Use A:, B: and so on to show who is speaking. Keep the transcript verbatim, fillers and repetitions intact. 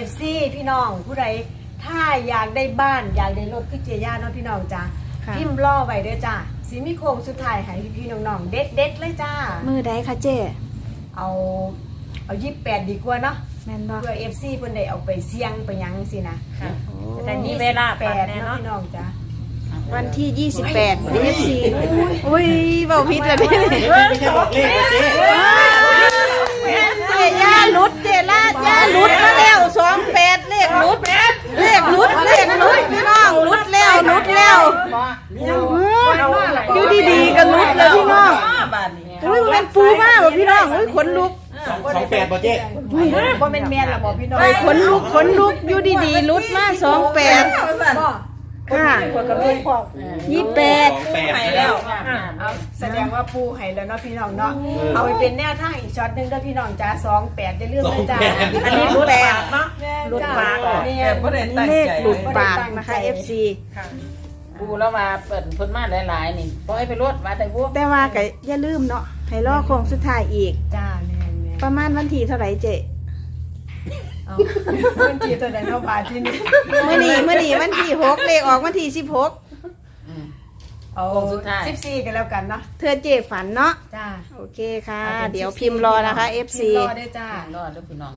A: ฟซีพี่น้องผู้ใดถ้าอยากได้บ้านอยากได้รถคือเจียย่าเนาะพี่น้องจ้าพิมพ์รอไว้เด้อจ้าสิมีโค้งสุดท้ายให้พี่น้องๆเด็ดเด็ดเลยจ้า
B: มือใดคะเจ๊
A: เอาเอายี่สิบแปดดีกว่าเนาะ
B: แม่นบ่
A: เพื่อ เอฟ ซี เพิ่นได้เอาไปเสี่ยงไปหยังสินะ
C: จะได้มีเวลาแปด
A: เนาะพี่น้องจ้า
B: วันที่ยี่สิบแปด เอฟ ซี อุ้ยเว้าผิดแล้วนี่
D: ไม่ใช่บอกเลขเจ๊
B: เจ๊ย่าหลุดเจ๊ล่าย่าหลุดมาแล้วสองแปดเลขหลุดเลขหลุดเลขหลุดพี่น้องหลุดแล้วหลุดแล้วอยู่ดีๆก็หลุดแล้วพี่น้องอุ้ยมันปูมากพี่น้องอุ้ยขนลุก
D: สองแปดบ่เจ๊
A: บ่แม่นแม่นล่ะบ่พี่น้อง
B: ขนลุกขนลุกอยู่ดีๆหลุดมาสองแปดค่ะยี่สิบแปด
D: ไปแล้ว
A: แสดงว่าปูให้แล้วเนาะพี่น้องเนาะเอาไปเป็นแนวทางอีกช็อตนึงเด้อพี่น้องจ้าสองแปดอย่าลืมนะจ้า
B: อันนี้หลุดปากเนาะ
A: หลุดปาก
C: เนี่ยบ่ได้ตั้งใจ
B: หลุดปากนะคะ เอฟ ซี
C: ปูแล้วมาเปิดเพิ่นมาหลายๆนี่ปล่อยไปรถมาแต่พวก
B: แต่ว่าก็อย่าลืมเนาะให้รอโค้งสุดท้ายอีก
A: จ้าแม่น
B: ประมาณวันที่เท่าไหร่เจ๊
A: เอาวันที่ตัวใดเนาะบาทที่นี่
B: มื้อนี้มื้อนี้วันที่หกเลขออกวันที่สิบหก
A: เอาสิบสี่กันแล้วกันเนาะ
B: เธอเจ๊ฝันเนาะ
A: จ้า
B: โอเคค่ะเดี๋ยวพิมพ์รอนะคะ เอฟ ซี
A: รอได้จ้าร
C: อด้วยพี่น้อง